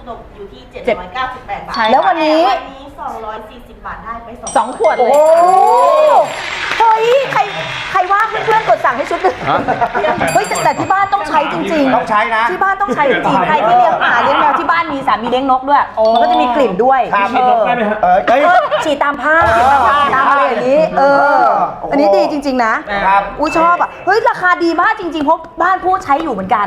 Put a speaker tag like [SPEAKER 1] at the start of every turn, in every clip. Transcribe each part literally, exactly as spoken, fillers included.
[SPEAKER 1] ตกอยู่ที่เจ็ดร้อยเก้าสิบแปดบาท
[SPEAKER 2] แล้ววันนี้
[SPEAKER 1] วันนี้สองร้อยสี่สิบบาทได้ไปสอง
[SPEAKER 2] สองขวดเลยเฮ้ยใครใครว่างเพื่อนๆกดสั่งให้ชุดหนึ่งเฮ้ยแต่ที่บ้านต้องใช้จริงๆ
[SPEAKER 3] ต้องใช้นะ
[SPEAKER 2] ที่บ้านต้องใช้จริงใครที่เลี้ยงหมาเลี้ยงแมวที่บ้านมีสามีเลี้ยงนกด้วยมันก็จะมีกลิ่นด้วย
[SPEAKER 3] ฉีดนกได้ไหมครับเออ
[SPEAKER 2] ฉีดตามผ้าตามอะไรอย่างนี้เอออันนี้ดีจริงๆนะอุ้ยชอบอ่ะเฮ้ยราคาดีมากจริงๆเพราะบ้านผู้ใช้อยู่เหมือนกัน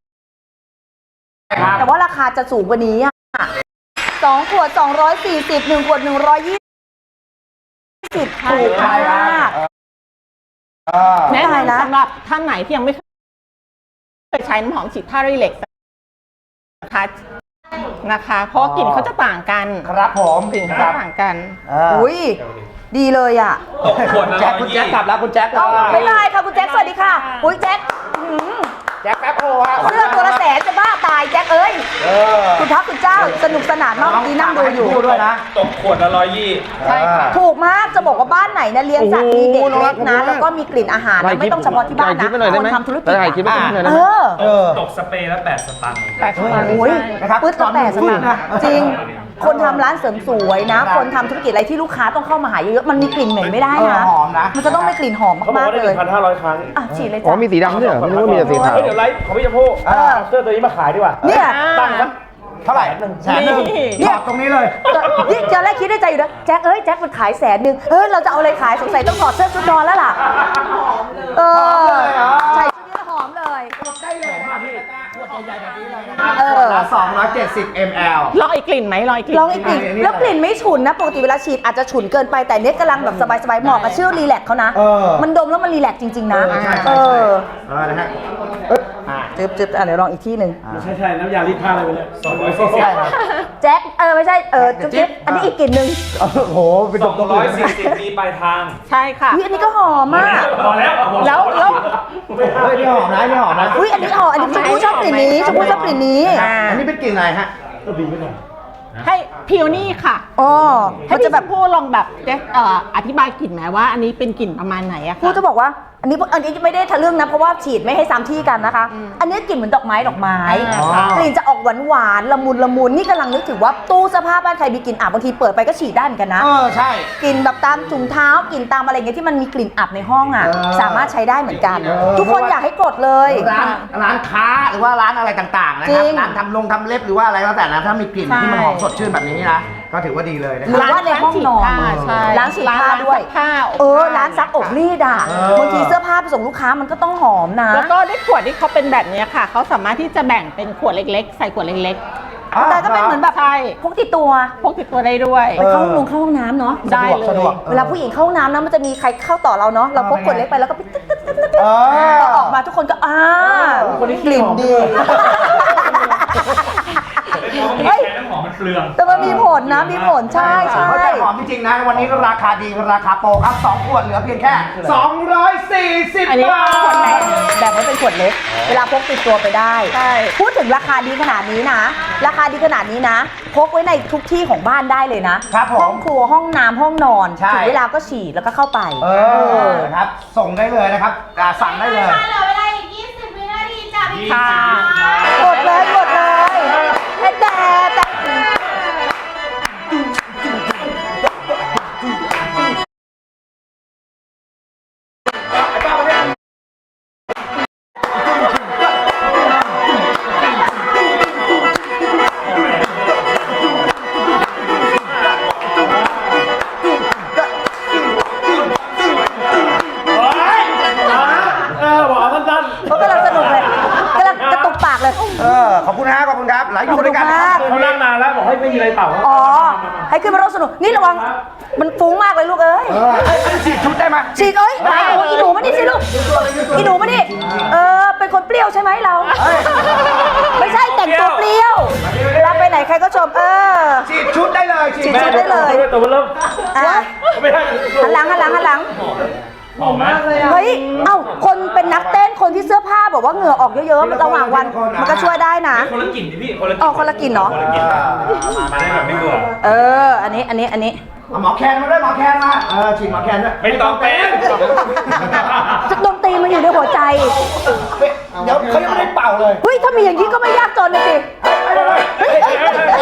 [SPEAKER 2] แต่ว่าราคาจะสูงกว่านี้อ่ะสองขวดสองร้อยสี่สิบหนึ่งขวดหนึ่งร้อยยี่สิบถูกมาก
[SPEAKER 4] แนะนำสำหรับท่านไหนที่ยังไม่เคยใช้น้ำหอมฉีดผ้ารีเล็กซ์นะคะนะคะเพราะกลิ่นเขาจะต่างกัน
[SPEAKER 3] ครับผม
[SPEAKER 4] กลิ่นเขาจะต่างกัน
[SPEAKER 2] อุ้ยดีเลยอ่ะ
[SPEAKER 3] แจ็คคุณแจ็คกลับแล้วคุณแจ็ค
[SPEAKER 2] ไม่ได้ค่ะคุณแจ็คสวัสดีค่ะอุ้ยแจ็ค
[SPEAKER 3] แจ็คแป๊บโอ้ฮะ
[SPEAKER 2] เสื้อตัวละแสนจะบ้าตายแจ็คเอ้ยคุณพระคุณเจ้าสนุกสนานมากดีนั่งดูอยู่
[SPEAKER 3] ด้วยนะ
[SPEAKER 5] ตกขวดละร้อยยี่
[SPEAKER 4] ใช่ค่ะ
[SPEAKER 2] ถูกมากจะบอกว่าบ้านไหนเนี่ยเลี้ยงสัตว์มีเด็กเล็กนะแล้วก็มีกลิ่นอาหารไม่ต้องเฉพาะที่บ้านนะคนทำธุรกิจเอ
[SPEAKER 5] อตกสเปรย์ละแปดสตางค์
[SPEAKER 4] แปดสตางค์
[SPEAKER 2] อุ้ยปึ๊ดละแปดสตางค์จริงคนทำร้านเสริมสวยนะคนทำธุรกิจอะไรที่ลูกค้าต้องเข้ามาหาเยอะๆมันมีกลิ่นเหม็นไม่ได้นะ
[SPEAKER 3] หอมนะ
[SPEAKER 2] มันจะต้องมีกลิ่นหอมมากๆเลย
[SPEAKER 5] พันห้าร้อยครั้ง
[SPEAKER 2] อ่ะฉีดเลยจ้ะ
[SPEAKER 6] อ๋อมีสีดำด้วยเหรอไม่รู้ว่ามีแต่สีขาว
[SPEAKER 5] เดี๋ยวไลฟ์ของพี่ชมพู่เสื้อตัวนี้มาขายดีกว่า
[SPEAKER 2] เนี่ย
[SPEAKER 5] ตั้งครับ
[SPEAKER 3] เท่าไหร่แสนหนึ่งเนี่ยตรงนี้เลย
[SPEAKER 2] นี่จะแรกคิดในใจอยู่นะแจ็คเอ้ยแจ็คมันขายแสนหนึ่งเฮ้ยเราจะเอาอะไรขายสงสัยต้องถอดเสื้อชุดนอนแล้วล่ะหอมเลยเออใช่ชุดนี้หอมเลย
[SPEAKER 3] ได้เลยค่ะพี่ขวดใหญ่แบบนี้เลยนะครับขวดละสองร้อยเจ็ดสิบมิลลิลิตร
[SPEAKER 4] ลองอีกกลิ่นไหมลองอีกกลิ่น
[SPEAKER 2] ลองอีกกลิ่นแล้วกลิ่นไม่ฉุนนะปกติเวลาฉีดอาจจะฉุนเกินไปแต่เนี้ยกำลังแบบสบายๆเหมาะกับชื่อรีแลกเขานะมันดมแล้วมันรีแลกจริงๆนะ
[SPEAKER 3] เออเออนะฮะ
[SPEAKER 2] จึ๊บจึ๊บอ่ะเดี๋ยวลองอีกที่หนึ่ง
[SPEAKER 5] ใช่ใช่น้ำยารีดผ้าอะไรไปเลยสองร้อยสี่สิบ
[SPEAKER 2] แจ็คเออไม่ใช่เออจุ๊บจิ๊บอันนี้อีกกลิ่นหนึ่ง
[SPEAKER 3] โอ้โหเป็น
[SPEAKER 5] สองร้อยสี่สิบมีปลายทาง
[SPEAKER 4] ใช่ค่ะ
[SPEAKER 2] อันนี้ก็หอมมาก
[SPEAKER 5] พอแล้ว
[SPEAKER 4] แล้วแล้ว
[SPEAKER 3] เฮ้ยนี่หอมนะนี่หอมนะ
[SPEAKER 2] อุ้ยอันนี้หอมอันนี้ชมพู่ชอบกลิ่นนี้ชมพู่ชอบกลิ่นนี้
[SPEAKER 3] อันนี้เป็นกลิ่นอะไรฮะ
[SPEAKER 5] ก็ดีไม่หน่อย
[SPEAKER 4] ให้พิวนี่ค่ะ
[SPEAKER 2] อ๋อ
[SPEAKER 4] ให้พี่ชมพู่ลองแบบเอ่ออธิบายกลิ่นไหมว่าอันนี้เป็นกลิ่นประมาณไหนอะค่ะ
[SPEAKER 2] พูดจะบอกว่าอันนี้อันนี้ไม่ได้ทะลึ่งนะเพราะว่าฉีดไม่ให้ซ้ำที่กันนะคะอันนี้กลิ่นเหมือนดอกไม้ดอกไม้กลิ่นจะออกหวานหวานละมุนละมุนนี่กำลังนึกถึงว่าตู้เสื้อผ้าบ้านใครมีกลิ่นอับบางทีเปิดไปก็ฉีดได้เหมือนกันนะ
[SPEAKER 3] เออใช่
[SPEAKER 2] กลิ่นแบบตามถุงเท้ากลิ่นตามอะไรเงี้ยที่มันมีกลิ่นอับในห้องอ่ะสามารถใช้ได้เหมือนกันทุกคนอยากให้กดเลย
[SPEAKER 3] ร้านร้านค้าหรือว่าร้านอะไรต่างๆนะครับร้านทำลงทำเล็บหรือว่าอะไรก็แต่นะถ้ามีกลิ่นที่มันหอมสดชื่นแบบนี้นะก็ถือว่าดีเลยนะ
[SPEAKER 2] หรือว่าในห้องนอนร้านฉีดผ้าด้วยเออร้านซักอบรีดอ่ะบางทีเสื้อผ้าไปส่งลูกค้ามันก็ต้องหอมนะ
[SPEAKER 4] แล้วก็ได้ขวดที่เขาเป็นแบบนี้ค่ะเขาสามารถที่จะแบ่งเป็นขวดเล็กๆใส่ขวดเล็ก
[SPEAKER 2] ๆแต่ก็เป็นเหมือนแบบพกติดตัว
[SPEAKER 4] พกติดตัวได้ด้วย
[SPEAKER 2] ไปเข้าห้องน้ำเข้าห้องน้ำเนาะ
[SPEAKER 4] ได้เลย
[SPEAKER 2] เวลาผู้หญิงเข้าห้องน้ำนะมันจะมีใครเข้าต่อเราเนาะเราพกขวดเล็กไปแล้วก็ไปตึ๊ดตึ๊ดตึ๊ดตึ๊ดต่อออกมาทุกคนก็อ่ากลิ่นดี
[SPEAKER 5] เฮ้ยน้ำหอมมันเปลือง
[SPEAKER 2] แต่มันมีผลนะมีผลใช่ใช่
[SPEAKER 3] เขาจะหอมจริงๆนะวันนี้ราคาดีราคาโปรครับสองขวดเหลือเพียงแค่สองร้อยสี่สิบบาท
[SPEAKER 2] แบบไม่เป็นขวดเล็กเวลาพกติดตัวไปได้พูดถึงราคาดีขนาดนี้นะราคาดีขนาดนี้นะพกไว้ในทุกที่ของบ้านได้เลยนะห้องครัวห้องน้ำห้องนอนถึงเวลาก็ฉีดแล้วก็เข้าไป
[SPEAKER 3] เออครับส่งได้เลยนะครับสั่งได้เลย
[SPEAKER 1] เหลือเวลาอีกยี่สิบวินาทีจ้ะพี่
[SPEAKER 4] ค่ะ
[SPEAKER 2] กดเลยกดเลยแต่แต่
[SPEAKER 3] ขอบคุณนะขอบคุณครับหลายอยู่ด้วยกัน
[SPEAKER 5] เขานั่งนานแล้วบอกให้ไม่มีอะไรเป่า
[SPEAKER 2] อ๋อให้ขึ้นมาร่วมสนุกนี่ระวังมันฟุ้งมากเลยลูกเอ้ย
[SPEAKER 3] ฉีดชุดได้ไหม
[SPEAKER 2] ฉีดเอ้ยอีหนูมาดิสิลูกอีหนูมาดิเออเป็นคนเปรี้ยวใช่ไหมเราไม่ใช่แต่งตัวเปรี้ยวเวลาไปไหนใครก็ชมเออ
[SPEAKER 3] ฉีดชุดได้เลย
[SPEAKER 2] ฉีดชุดได้เลย
[SPEAKER 5] แต่ว่าเริ่มไม่ได้
[SPEAKER 2] หันหลังหันหลังหันหลัง
[SPEAKER 5] หอมมากเลย
[SPEAKER 2] เฮ้ยเอ้าคนเป็นนักเต้นคนที่เสื้อผ้าบอกว่าเหงื่อออกเยอะๆมันระหว่างวันมันก็ช่วยได้นะ
[SPEAKER 5] คนละกลิ่นดิพี่คนละกลิ่น
[SPEAKER 2] อ๋อคนละกลิ่นเนาะ
[SPEAKER 5] มาได้แบบไม่เบื่อ
[SPEAKER 2] เอออันนี้อันนี้อันนี้
[SPEAKER 3] หมอแคนมาด้วยหมอแคนมาเออฉีดหมอแคนด้วย
[SPEAKER 5] ไม่ต้องเป็น
[SPEAKER 2] ดนตรีมันอยู่ในหัวใจ
[SPEAKER 3] เดี๋ยวเขายังไม่ได้เป่าเลย
[SPEAKER 2] เฮ้ยถ้ามีอย่างนี้ก็ไม่ยากจนเลยสิเฮ้ย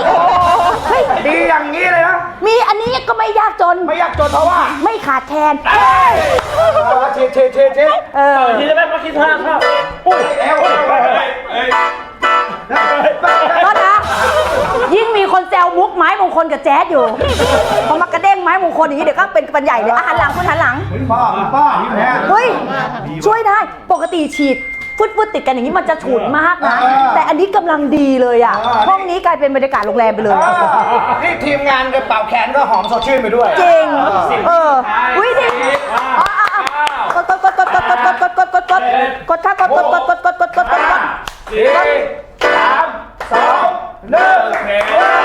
[SPEAKER 3] อย่างนี้เลยนะ
[SPEAKER 2] มีอันนี้ก็ไม่ยากจน
[SPEAKER 3] ไม่อยากจนเพราะว่า
[SPEAKER 2] ไม่ขาดแคลน
[SPEAKER 3] เชเชเชเช
[SPEAKER 2] เออ
[SPEAKER 5] เออทีจะได้มาคิดท่าข้าว
[SPEAKER 3] อุ้ยเอวเอวเอว
[SPEAKER 5] เอ้ย
[SPEAKER 2] ก็นะยิ่งมีคนแซวมุกไม้มงคลกับแจ๊ดอยู่พอมากระเด้งไม้มงคลอย่างนี้เดี๋ยวก็เป็นปัญใหญ่เลยอ่ะหันหลังคุณหันหลัง
[SPEAKER 3] ป้าป้าเนี่ย
[SPEAKER 2] เฮ้ย ช่วยได้ปกติฉีดฟุดฟุดติดกันอย่างนี้มันจะฉุนมากนะ แต่อันนี้กำลังดีเลยอ่ะ ห้องนี้กลายเป็นบรรยากาศโรงแรมไปเลย
[SPEAKER 3] นี่ทีมงานกับเป่าแขนก็หอมสดชื่นไปด้วย
[SPEAKER 2] จริง เอออุ้ยดิอ๋ออ๋ออ๋อกดกดกดกดกดกดกดกดกดกดกดกดค่ะกดกดกดกดกดกดกดกด
[SPEAKER 5] สี่สามสองหนึ่งโอเค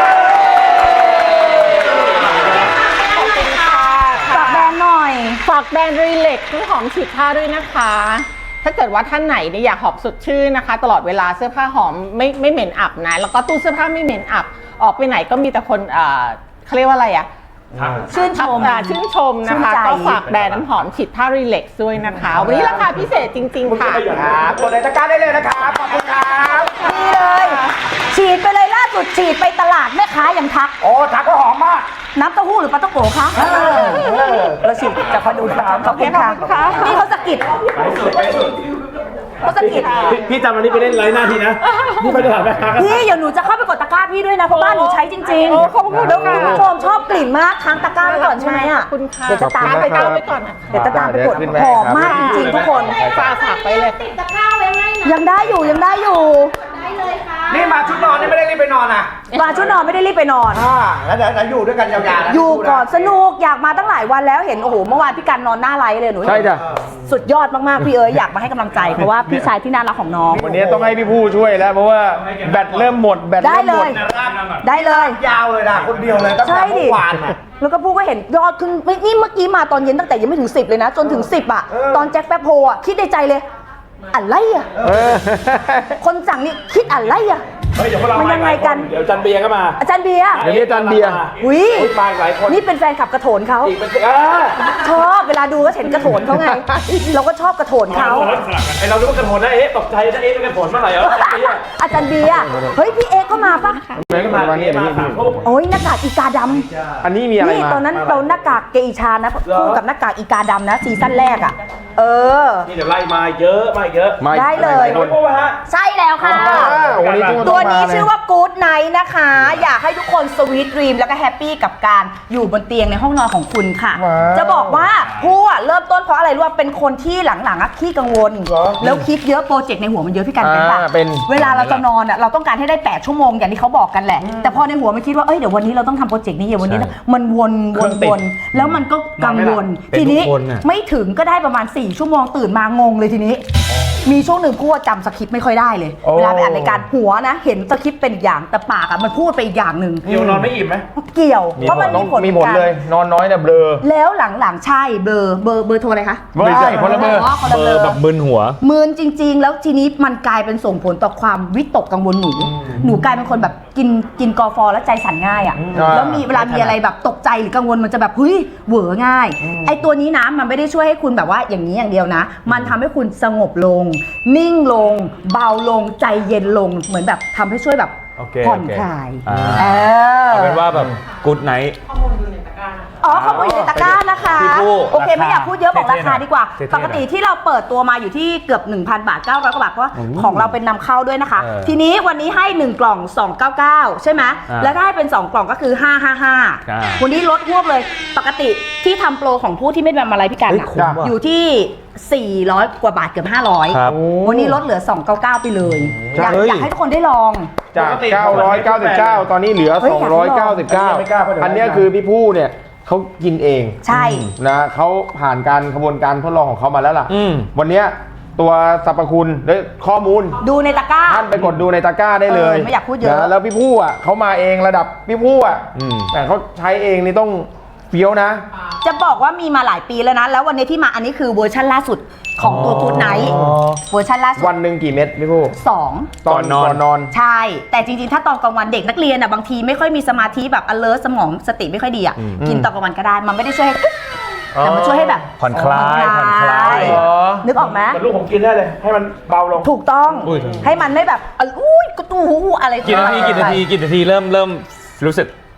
[SPEAKER 2] ฝากแบรนด์หน่อย
[SPEAKER 4] ฝากแบรนด์รีเล็กน้ำหอมฉีดผ้าด้วยนะคะ ถ้าเกิดว่าท่านไหนเนี่ยอยากหอมสดชื่นนะคะ ตลอดเวลาเสื้อผ้าหอมไม่ไม่เหม็นอับนะ แล้วก็ตู้เสื้อผ้าไม่เหม็นอับ ออกไปไหนก็มีแต่คนเอ่อเขาเรียกว่าอะไรอะ
[SPEAKER 2] ชื่นชม
[SPEAKER 4] อ่าชื่นชมนะคะ
[SPEAKER 2] ชื่นใจ
[SPEAKER 4] ก็ฝากแบรนด์น้ำหอมฉีดผ้ารีเล็กด้วยนะคะ วันนี้ราคาพิเศษจริงๆค่ะ
[SPEAKER 3] ครับกดในตะกร้าได้เลยนะครับ ขอบคุณครับ
[SPEAKER 2] ดีเลย ฉีดไปเลยล่าสุดฉีดไปตลาดแม่ค้ายังทัก
[SPEAKER 3] โอ้ทักก็หอมมาก
[SPEAKER 2] น้ำเต้าหู้หรือปลาต้องโกะคะเราฉีดจากคนดูนะครับขอบคุณค่ะนี่เขาสะกิด
[SPEAKER 5] ไปสุดไปสุด
[SPEAKER 2] เขาสะกิด
[SPEAKER 5] พี่พี่จำวันนี้ไปเล่นไร้หน้าทีนะนี่ไปตลาดแม่ค้ากัน
[SPEAKER 2] พี่เดี๋ยวหนูจะเข้าไปกดตะกร้าพี่ด้วยนะเพราะบ้านหนูใช้จริงๆ
[SPEAKER 4] โอ้ขอบคุณค่ะ
[SPEAKER 2] แล้วคุณผู้ชมชอบกลิ่นมากค้างตะกร้าไว้ก่อนใช่ไหมอ่ะ
[SPEAKER 4] ขอบคุณค่ะ
[SPEAKER 2] เดี๋ยวจะตามไป
[SPEAKER 4] ขอบคุณครับ
[SPEAKER 2] เดี๋ยวจะตามไปกดหอมมากจริงๆทุกคน
[SPEAKER 4] ฝากฝากไปเลย
[SPEAKER 1] ติดตะกร้าไว้ให้นะ
[SPEAKER 2] ยังได้อยู่ยังได้อยู่
[SPEAKER 1] ได้เลยค่ะ
[SPEAKER 3] นี่มาชุดนอนนี่ไม่ได้รีบไปนอนอ่ะ
[SPEAKER 2] มาชุดนอนไม่ได้รีบไปนอน
[SPEAKER 3] อ่าแล้วเดี๋ยวเราอยู่ด้วยกันยาวๆนะ
[SPEAKER 2] อยู่ก่อนสนุกอยากมาตั้งหลายวันแล้วเห็นโอ้โหเมื่อวานพี่กันนอนหน้าไลฟ์เลยหนู
[SPEAKER 6] ใช่จ้ะ
[SPEAKER 2] สุดยอดมากๆพี่เอ๋ยอยากมาให้กำลังใจเพราะว่าพี่ชายที่น่ารักของน้อง
[SPEAKER 6] วันนี้ต้องให้พี่ผู้ช่วยแล้วเพราะว่าแบตเริ่มหมดแบต
[SPEAKER 2] ได้
[SPEAKER 6] เริ่ม
[SPEAKER 2] เล
[SPEAKER 6] หมด
[SPEAKER 2] ย ได้เลย
[SPEAKER 3] ยาวเลยนะคนเดียวเลยตั้ง
[SPEAKER 2] ใช่
[SPEAKER 3] แต่เมื่
[SPEAKER 2] ดิ
[SPEAKER 3] อวานน่ะ
[SPEAKER 2] แล้วก็พูดก็เห็นยอดขึ้นไม่นี่เมื่อกี้มาตอนเย็นตั้งแต่ยังไม่ถึงสิบเลยนะ จนถึงสิบอ่ะ
[SPEAKER 3] เออ
[SPEAKER 2] ตอนแจ็คแป๊บโฮอ่ะคิดในใจเลยอะไรอ่ะ
[SPEAKER 6] เออ
[SPEAKER 2] คนสั่งนี่คิดอะไรอ่ะ
[SPEAKER 5] เฮ้ยเดี๋ยวพวกเรา
[SPEAKER 2] มันยังไงกัน
[SPEAKER 5] เดี๋ยวจันเบียร์ก็มา
[SPEAKER 2] อาจารย์เบียร์
[SPEAKER 6] เดี๋ยวนี้อาจารย์เบียร์
[SPEAKER 2] อุ้ย
[SPEAKER 5] อุ๊ยมาอีกหลายคน
[SPEAKER 2] นี่เป็นแฟนขับกระโถนเขา
[SPEAKER 5] อีกเป็นสิอ่า
[SPEAKER 2] ชอบเวลาดูก็เห็นกระโถนเขาไง เราก็ชอบกระโถนเขา
[SPEAKER 5] ไอเราดูว่ากระโถนนะเอ๊ะตกใจนะเอ๊ะเป็นกระโถนเมื่อไหร่เหรอไอ้เหี้ย
[SPEAKER 2] อาจารย์เบียร์เฮ้ยพี่เอกก็มาปะ
[SPEAKER 6] แม่ก็มาวันนี้อันนี้
[SPEAKER 5] สามทุ่ม
[SPEAKER 2] โอ้ยหน้ากากอีกาดำ
[SPEAKER 6] อันนี้มีอะไร
[SPEAKER 2] นี่
[SPEAKER 6] มา
[SPEAKER 2] ตอนนั้นเราหน้ากากเกอิชานะคู่กับหน้ากากอีกาดำนะซีซั่นแรกอ่ะ เออ
[SPEAKER 5] นี่เดี๋ยวไล่มาเยอะมาเยอะ
[SPEAKER 6] มาอีก
[SPEAKER 2] ได้เลย
[SPEAKER 6] หา
[SPEAKER 5] โอ้
[SPEAKER 6] คน
[SPEAKER 5] ยพวกฮะ
[SPEAKER 2] ใช่แล้วค่ะ
[SPEAKER 6] อ้าววันนี้ทุกคน
[SPEAKER 2] ตัว
[SPEAKER 6] ต้องมา
[SPEAKER 2] นี้
[SPEAKER 6] เลย
[SPEAKER 2] ชื่อว่า Good Night นะคะ อยากให้ทุกคนสวีทดรีมแล้วก็แฮปปี้กับการอยู่บนเตียงในห้องนอนของคุณค่ะ
[SPEAKER 6] ว้าว
[SPEAKER 2] จะบอกว่าผู้อะเริ่มต้นเพราะอะไรรู้ว่าเป็นคนที่หลังๆอะขี้กังวล แล้วคิดเยอะโปรเจกต์ในหัวมันเยอะพี่กันเป็นปะ
[SPEAKER 6] อ่าเป็น
[SPEAKER 2] เวลาเราจะนอนอะเราต้องการให้ได้แปดชั่วโมงอย่างที่เขาบอกกันแหละ แต่พอในหัวมันคิดว่าเอ้ยเดี๋ยววันนี้เราต้องทำโปรเจกต์นี้เดี๋ยววันนี้มันวนวนวนแล้วมันก็กังวล ทีนี้ไม่ถึงก็ได้ประมาณสี่ชั่วโมงตื่นมางงเลยทีนี้ มีช่วงหนึ่งพูดจำสคริปต์ไม่ค่อยได้เลย เวลาไปอ่านรายการหัวนะ เห็นสคริปต์เป็นอีกอย่างแต่ปากอะมันพูดไปอีกอย่างหนึ่ง
[SPEAKER 5] เดี๋ยวนอนไม่อิ่มไหม
[SPEAKER 2] เกี่ยว
[SPEAKER 6] มี
[SPEAKER 2] เพราะ
[SPEAKER 6] ผ
[SPEAKER 2] มั
[SPEAKER 6] ล
[SPEAKER 2] น
[SPEAKER 6] ต้อ
[SPEAKER 2] มี
[SPEAKER 6] ง
[SPEAKER 2] ผล
[SPEAKER 6] มีผล
[SPEAKER 2] กัน
[SPEAKER 6] เลย นอนน้อยเนี่ยเบลอ
[SPEAKER 2] แล้วหลังๆใช่เบอร์เบอร์เบอร์โทรอะไรคะ
[SPEAKER 6] ไม่ใช่คนละเบอร์
[SPEAKER 2] อ๋อคนละเบอร์
[SPEAKER 6] แบบมึนหัว
[SPEAKER 2] มืนจริง ๆ แล้วทีนี้มันกลายเป็นส่งผลต่อความวิตกกังวลหนู หนูกลายเป็นคนแบบกินกินกอฟอแล้วใจสั่นง่ายอ่ะ
[SPEAKER 6] อ่า
[SPEAKER 2] แล้วมีเวลามีอะไรแบบตกใจหรือกังวลมันจะแบบเฮ้ยเหวอง่าย ไอตัวนี้นะมันไม่ได้ช่วยให้คุณแบบว่าอย่างนี้อย่างเดียวนะ มันทำให้คุณสงบลง นิ่งลง เบาลงใจเย็นลงเหมือนแบบทำให้ช่วยแบบ
[SPEAKER 7] โอเค
[SPEAKER 2] ผ่อน
[SPEAKER 7] โอเค
[SPEAKER 2] คลาย
[SPEAKER 7] อ่า
[SPEAKER 2] เออ
[SPEAKER 7] เอาเป็นว่าแบบกู๊ดไนท์
[SPEAKER 2] อ๋อข้อมูลอยู่ในตะกร้านะคะ
[SPEAKER 7] พี่ผู้
[SPEAKER 2] โอเค
[SPEAKER 7] ราคา
[SPEAKER 2] ไม่อยากพูดเยอะบอกราคาดีกว่า
[SPEAKER 7] เท่ๆ
[SPEAKER 2] ปกติที่เราเปิดตัวมาอยู่ที่เกือบ หนึ่งพัน บาท เก้าร้อย กว่าบาทเพราะว่าของเราเป็นนำเข้าด้วยนะคะ
[SPEAKER 7] เออ
[SPEAKER 2] ทีนี้วันนี้ให้หนึ่งกล่องสองร้อยเก้าสิบเก้าใช่ไหม
[SPEAKER 7] อ่า
[SPEAKER 2] แล้วได้เป็นสองกล่องก็คือห้าร้อยห้าสิบห้า
[SPEAKER 7] อ่า
[SPEAKER 2] วันนี้ลดหวบเลยปกติที่ทำโปรของผู้ที่ไม่ทำอะไรพี่กัน
[SPEAKER 7] เฮ้ย
[SPEAKER 2] อะ
[SPEAKER 7] คุ้มว่ะ
[SPEAKER 2] อยู่ที่สี่ร้อยกว่าบาทเกือบห้าร้อย
[SPEAKER 7] ครับ
[SPEAKER 2] วันนี้ลดเหลือสองร้อยเก้าสิบเก้าไปเลยอยาก
[SPEAKER 6] เฮ้ย
[SPEAKER 2] อยากให้ทุกคนได้ลอง
[SPEAKER 6] จาก เก้าร้อยเก้าสิบเก้า ตอนนี้เหลือ
[SPEAKER 2] เฮ้ยอยากให้ลอง
[SPEAKER 6] สองร้อยเก้าสิบเก้า
[SPEAKER 5] ไม่กล้าเพราะเดี๋ยว
[SPEAKER 6] อันเนี้ยคือพี่ผู้เนี่ยเขากินเอง
[SPEAKER 2] ใช่
[SPEAKER 6] นะเขาผ่านการกระบวนการทดลองของเขามาแล้วล่ะ
[SPEAKER 7] อืม
[SPEAKER 6] วันเนี้ยตัวสรรพคุณและข้อมูล
[SPEAKER 2] ดูในตะกร้า
[SPEAKER 6] ท่านไปกดดูในตะกร้าได้เลย
[SPEAKER 2] เออไม่อยากพูดเยอะ
[SPEAKER 6] นแล้วพี่ผู้อ่ะเขามาเองระดับพี่ผู้อ่ะ
[SPEAKER 7] อืม
[SPEAKER 6] แต่เขาใช้เองนี่ต้องเฟี้ยวนะ
[SPEAKER 2] จะบอกว่ามีมาหลายปีแล้วนะ แล้ววันนี้ที่มาอันนี้คือเวอร์ชันล่าสุดของตัวกูดไนท์
[SPEAKER 7] อ๋อ
[SPEAKER 2] เวอร์ชันล่าสุด
[SPEAKER 6] วันหนึ่งกี่เม็ดพี่ผู้
[SPEAKER 2] สอง
[SPEAKER 6] ตอน
[SPEAKER 7] ก่อนนอน
[SPEAKER 6] ก่อนนอน
[SPEAKER 2] ใช่ แต่จริงๆ ถ้าตอนกลางวันเด็กนักเรียนอ่ะบางทีไม่ค่อยมีสมาธิแบบ alert สมองสติไม่ค่อยดีอ่ะ กินตอนกลางวันก็ได้ มันไม่ได้ช่วยให้แต่มันช่วยให้แบบ
[SPEAKER 7] ผ่อนคลายผ่อนคลาย
[SPEAKER 6] อ๋อ
[SPEAKER 2] นึกออกไหม
[SPEAKER 5] แต่ลูกผมกินได้เลย ให้มันเบาลง
[SPEAKER 2] ถูกต้อง
[SPEAKER 7] อุ้ย
[SPEAKER 2] ให้มันไม่แบบอุ้ยกระตูหูอะไร
[SPEAKER 7] กี่นาทีกี่นาทีกี่นาทีเริ่มเริ่มรู้สึก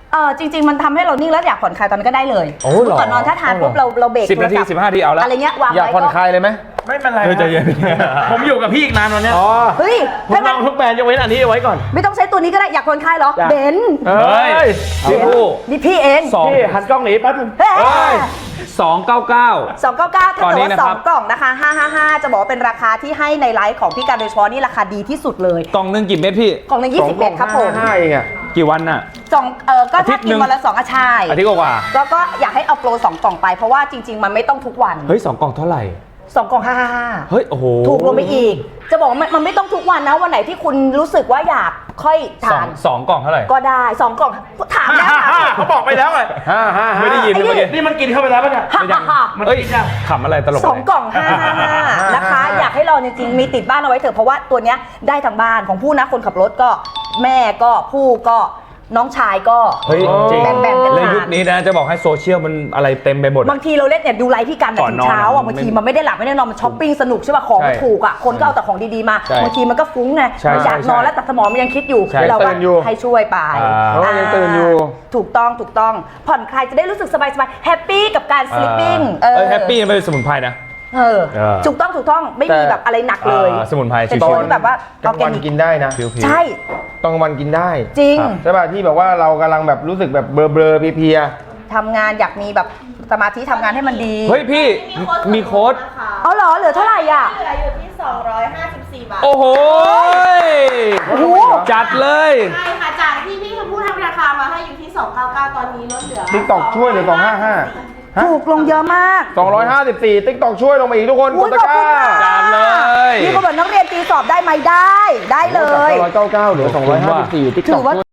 [SPEAKER 2] เออจริง ๆ มันทำให้เรานิ่งแล้วอยากผ่อนคลายตอนนั้นก็ได้เลย
[SPEAKER 7] โอ้เหรอ
[SPEAKER 2] ก่อนนอนถ้าทานปุ๊บเราเราเบรก
[SPEAKER 7] สิบนาที
[SPEAKER 2] โทรศัพท์
[SPEAKER 7] สิบห้านาทีเอาละ
[SPEAKER 2] อะไรเงี้ยวาง
[SPEAKER 6] อยาก
[SPEAKER 2] ไว้
[SPEAKER 6] ผ่อนค
[SPEAKER 2] ก็
[SPEAKER 6] ลายเลยไหม
[SPEAKER 5] ไม่เป็นไร
[SPEAKER 7] เฮ้ยใจเย็น
[SPEAKER 5] ผมอยู่กับพี่อีกนานวันเนี้ย
[SPEAKER 6] อ๋อ
[SPEAKER 2] เฮ้ย
[SPEAKER 5] ผม
[SPEAKER 2] ถ้า
[SPEAKER 5] ล
[SPEAKER 2] งั้
[SPEAKER 5] อน งทุกแบรนด์ยกเว้นอันนี้เอาไว้ก่อน
[SPEAKER 2] ไม่ต้องใช้ตัวนี้ก็ได้อยากผ่อนคลายเหรอ
[SPEAKER 6] จ้ะ
[SPEAKER 2] เบนซ์
[SPEAKER 6] เฮ้
[SPEAKER 7] เฮ้
[SPEAKER 6] ย
[SPEAKER 7] ยพี่ผู้
[SPEAKER 2] นี่พี่เอง
[SPEAKER 7] สอง
[SPEAKER 5] พี่หันกล้องหนีแป๊บนึง
[SPEAKER 2] เฮ้
[SPEAKER 7] เฮ้ย
[SPEAKER 2] ย
[SPEAKER 7] สองเก้าเก้า
[SPEAKER 2] สองเก้าเก้าถ้า
[SPEAKER 7] ตอน
[SPEAKER 2] เกิด
[SPEAKER 7] นี้
[SPEAKER 2] ว่า
[SPEAKER 7] นะ
[SPEAKER 2] ส
[SPEAKER 7] ค
[SPEAKER 2] อ
[SPEAKER 7] รั
[SPEAKER 2] ง
[SPEAKER 7] บ
[SPEAKER 2] กล่องนะคะห้าห้าห้าจะบอกว่าเป็นราคาที่ให้ในไลฟ์ของพี่การโดยเฉพาะนี่ราคาดีที่สุดเลย
[SPEAKER 7] กล่องหนึ่งกี่เม็ดพี่
[SPEAKER 2] กล่องหนึงยี่สิบเอ็ดครับผม
[SPEAKER 6] ห้าเองอ่ะ
[SPEAKER 7] กี่วันน่ะ
[SPEAKER 2] สองเออก็
[SPEAKER 7] อาทิ
[SPEAKER 2] ถ้า
[SPEAKER 7] ตย์
[SPEAKER 2] กิ
[SPEAKER 7] หนึ่
[SPEAKER 2] น
[SPEAKER 7] ง
[SPEAKER 2] วันละสองอาชาย
[SPEAKER 7] อาทิตย์กว่า
[SPEAKER 2] แล้วก็อยากให้เอาโปรสองกล่องไปเพราะว่าจริง ๆ มันไม่ต้องทุกวัน
[SPEAKER 7] ๆเฮ้ยสองกล่องเท่าไหร่
[SPEAKER 2] สองกล่องห้าห้าห้า
[SPEAKER 7] เฮ้ยโอ้โห
[SPEAKER 2] ถูกลงไปอีก จะบอกว่ามันมันไม่ต้องทุกวันนะวันไหนที่คุณรู้สึกว่าอยากค่อย
[SPEAKER 7] สอ
[SPEAKER 2] ทาง น
[SPEAKER 7] สองกล่องเท่าไหร่
[SPEAKER 2] ก็ได้สองกล่องถามแล้วถามอีก
[SPEAKER 5] เขาบอกไปแล้วไง
[SPEAKER 6] ห้าห้าห้า
[SPEAKER 7] ไม่ได้ยินเลยเมื่อกี้
[SPEAKER 5] นี่มันกินเข้าไปแล้วป่ะเนี่ย
[SPEAKER 2] ฮ่าฮ่าฮ่า
[SPEAKER 5] มัน
[SPEAKER 7] เอ้ย
[SPEAKER 5] กินยัง
[SPEAKER 7] ขำอะไรตลก
[SPEAKER 2] สองกล่องห้าห้าห้านะคะ อยากให้ลองจริงๆ มีติดบ้านเอาไว้เถอะเพราะว่าตัวเนี้ยได้ทั้งบ้านของผู้นะคนขับรถก็แม่ก็ผู้ก็น้องชายก็
[SPEAKER 7] เฮ้ยจริง
[SPEAKER 2] แบ่งๆกัน
[SPEAKER 7] เลย
[SPEAKER 2] ทาน
[SPEAKER 7] ยุคนี้นะจะบอกให้โซเชียลมันอะไรเต็มไปหมด
[SPEAKER 2] บางทีเราเล่นเนี่ยดูไลฟ์พี่กัน
[SPEAKER 7] ก่อน
[SPEAKER 2] ถึง
[SPEAKER 7] นอน
[SPEAKER 2] เช้าอ่ะ
[SPEAKER 7] อะ
[SPEAKER 2] บางที
[SPEAKER 7] ไม่
[SPEAKER 2] มันไม่ได้หลับไม่ได้นอนมันช้อปปิ้งสนุกใช่ป่ะของมัน
[SPEAKER 7] ใช่
[SPEAKER 2] ถูกอ่ะคนก็เอาแต่ของดีๆมา
[SPEAKER 7] ใช่
[SPEAKER 2] บางทีมันก็ฟุ้งไง
[SPEAKER 7] ใช่
[SPEAKER 2] มันอยาก
[SPEAKER 7] ใช่
[SPEAKER 2] นอนแล้วแต่สมองมันยังคิดอยู่
[SPEAKER 7] ใช่
[SPEAKER 2] เราก็
[SPEAKER 6] ตื่นอยู่
[SPEAKER 2] ให้ช่วยไป
[SPEAKER 7] อ่า
[SPEAKER 6] เพราะว่ายังตื่นอยู่
[SPEAKER 2] ถูกต้องถูกต้องผ่อนคลายจะได้รู้สึกสบายๆแฮปปี้กับการสลิปปิ้ง
[SPEAKER 7] เออแฮปปี้มันเป็นสมุนไพรนะ
[SPEAKER 2] เออ
[SPEAKER 7] เออ
[SPEAKER 2] ถูกต้องถูกต้องไม่มี
[SPEAKER 6] แต่
[SPEAKER 2] แบบอะไรหนักเลย
[SPEAKER 7] เออสมุนไพร
[SPEAKER 2] เป็น
[SPEAKER 7] ชิวๆ
[SPEAKER 2] ตัวที่แบบว่าก
[SPEAKER 6] ลา
[SPEAKER 2] อง อร์แก
[SPEAKER 6] วัน
[SPEAKER 2] นิก
[SPEAKER 6] กินได้นะ
[SPEAKER 7] ผิวๆ
[SPEAKER 2] ใช่
[SPEAKER 6] ตอนกลางวันกินได้
[SPEAKER 2] จริง
[SPEAKER 7] ครับ
[SPEAKER 6] ใช่ป่ะที่แบบว่าเรากำลังแบบรู้สึกแบบเบลอเบลอๆเพลีย
[SPEAKER 2] ทำงานอยากมีแบบสมาธิทำงานให้มันดี
[SPEAKER 7] เฮ้ยพี่มีโค้ด
[SPEAKER 2] เอาเหรอเหลือเท่าไหร่อ่ะ
[SPEAKER 1] เหลืออยู่ที่ สองร้อยห้าสิบสี่ บาท
[SPEAKER 7] โอ้โห
[SPEAKER 2] โอ้โห
[SPEAKER 7] จัดเลย
[SPEAKER 1] ใช่ค่ะ จากที่พี่ชมพู่ทำราคามาให้อยู่ที่ สองร้อยเก้าสิบเก้า ตอนนี้ลดเหลือ
[SPEAKER 6] ติ๊กตอกช่วยเหลือสองห้าห้า
[SPEAKER 2] ถูกลงเยอะมาก
[SPEAKER 6] สองร้อยห้าสิบสี่ติ๊กตอกช่วยลงมาอีกทุกคน
[SPEAKER 2] อุ๊
[SPEAKER 6] ก
[SPEAKER 2] ย
[SPEAKER 6] ดตะ
[SPEAKER 2] ขอบ
[SPEAKER 6] ก
[SPEAKER 2] คุณ
[SPEAKER 6] ร้า
[SPEAKER 2] ค่ะ
[SPEAKER 7] จัดเลย
[SPEAKER 2] มีคนบอกนักเรียนตีสอบได้ไหมได้ ได้เลย
[SPEAKER 6] จากสองร้อยเก้าสิบเก้าเหลือสองร้อยห้าสิบสี่ติ๊ก
[SPEAKER 2] ถื
[SPEAKER 6] ตอ
[SPEAKER 2] อก ว่า
[SPEAKER 6] ช่วย